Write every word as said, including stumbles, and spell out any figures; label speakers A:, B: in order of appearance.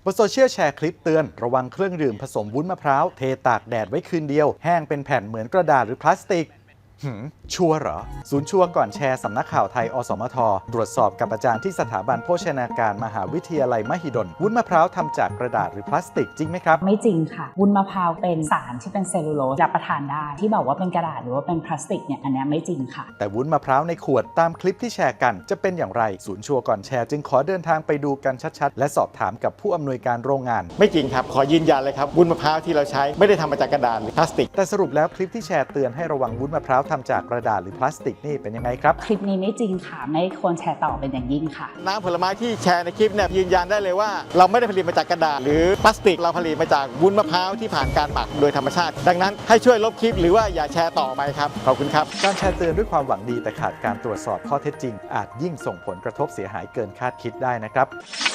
A: บนโซเชียลแชร์คลิปเตือนระวังเครื่องดื่มผสมวุ้นมะพร้าวเทตากแดดไว้คืนเดียวแห้งเป็นแผ่นเหมือนกระดาษหรือพลาสติกหืมชัวร์เหรอศูนย์ชัวร์ก่อนแชร์สำนักข่าวไทยอสมทตรวจสอบกับอาจารย์ที่สถาบันโภชนาการมหาวิทยาลัยมหิดลวุ้นมะพร้าวทำจากกระดาษหรือพลาสติกจริงไหมครับ
B: ไม่จริงค่ะวุ้นมะพร้าวเป็นสารที่เป็นเซลลูโลสรับประทานได้ที่บอกว่าเป็นกระดาษหรือว่าเป็นพลาสติกเนี่ยอันนี้ไม่จริงค่ะ
A: แต่วุ้นมะพร้าวในขวดตามคลิปที่แชร์กันจะเป็นอย่างไรศูนย์ชัวร์ก่อนแชร์จึงขอเดินทางไปดูกันชัดๆและสอบถามกับผู้อำนวยการโรงงาน
C: ไม่จริงครับขอยืนยันเลยครับวุ้นมะพร้าวที่เราใช้ไม่ได้ทำมาจากกระดาษหรือพลาสติก
A: แต่สรุปแล้วคลิปที่แชร์เตือนให้ระวังวุ้นมะพร้าวทำจากกระดาษหรือพลาสติกนี่เป็นยังไงครับ
B: คลิปนี้ไม่จริงค่ะไม่ควรแชร์ต่อเป็นอย่างยิ่งค่ะ
C: น้ำผลไม้ที่แชร์ในคลิปเนี่ยยืนยันได้เลยว่าเราไม่ได้ผลิตมาจากกระดาษหรือพลาสติกเราผลิตมาจากวุ้นมะพร้าวที่ผ่านการหมักโดยธรรมชาติดังนั้นให้ช่วยลบคลิปหรือว่าอย่าแชร์ต่อไปครับขอบคุณครับ
A: การแชร์เตือนด้วยความหวังดีแต่ขาดการตรวจสอบข้อเท็จจริงอาจยิ่งส่งผลกระทบเสียหายเกินคาดคิดได้นะครับ